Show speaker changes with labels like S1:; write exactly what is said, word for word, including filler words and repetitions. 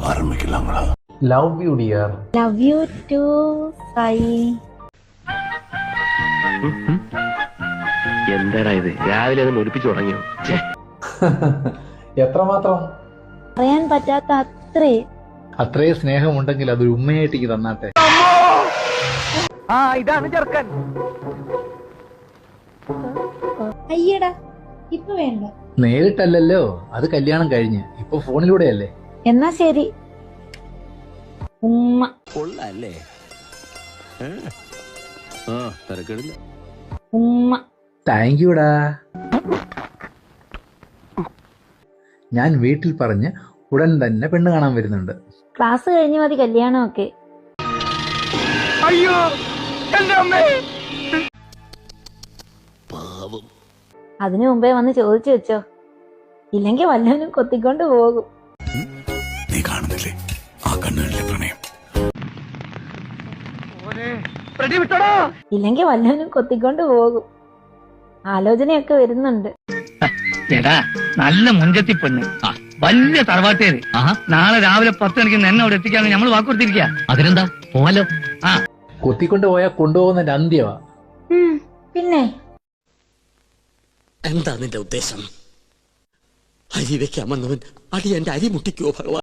S1: ആരംഭിക്കലാങ്ങളാ.
S2: Love you dear.
S3: Love you too Sai.
S4: എന്താടാ ഇത്, രാവിലെ അത് ഒലിപ്പിച്ചു തുടങ്ങിയോ?
S2: എത്രമാത്രം?
S3: പറയാൻ പറ്റാത്ത അത്രേ.
S2: അത്രയും സ്നേഹമുണ്ടെങ്കിൽ അതൊരു ഉമ്മയായിട്ട് തന്നാട്ടെ.
S4: ആ ഇതാണ് ചെറുക്കൻ.
S3: അയ്യടാ, ഇപ്പൊ വേണ്ട.
S2: നേരിട്ടല്ലല്ലോ, അത് കല്യാണം കഴിഞ്ഞ് ഇപ്പൊ ഫോണിലൂടെയല്ലേ.
S3: എന്നാ ശരി. ഉമ്മ.
S1: കൊള്ളാല്ലേ?
S3: ഉമ്മ.
S2: താങ്ക് യുടാ. ഞാൻ വീട്ടിൽ പറഞ്ഞ് ഉടൻ തന്നെ പെണ്ണ് കാണാൻ വരുന്നുണ്ട്.
S3: ക്ലാസ് കഴിഞ്ഞ് മതി കല്യാണമൊക്കെ.
S4: അയ്യോ എന്റെ അമ്മേ.
S3: അതിനു മുമ്പേ വന്ന് ചോദിച്ചു വെച്ചോ, ഇല്ലെങ്കിൽ വല്ലവനും കൊത്തിക്കൊണ്ട് പോകും.
S1: നീ കാണുന്നില്ലേ ആ കണ്ണുകളിലെ പ്രണയം?
S3: ഇല്ലെങ്കിൽ വല്ലവനും കൊത്തിക്കൊണ്ട് പോകും. ആലോചനയൊക്കെ വരുന്നുണ്ട്.
S5: എടാ, നല്ല മുഞ്ചത്തി പെണ്ണ്, വലിയ തറവാട്ടേര്. നാളെ രാവിലെ പത്ത് മണിക്ക് എന്നെ അവിടെ എത്തിക്കാന്ന് നമ്മൾ വാക്കുകൊടുത്തിരിക്കുക. അതിനെന്താ, പോവാലോ. ആ
S2: കൊത്തിക്കൊണ്ട് പോയാൽ കൊണ്ടുപോകുന്നതിന്റെ അന്ത്യമാ.
S3: പിന്നെ
S6: എന്താ നിന്റെ ഉദ്ദേശം? അരി വെക്കാമെന്നവൻ അടി എന്റെ അരി മുട്ടിക്കോ ഭഗവാൻ.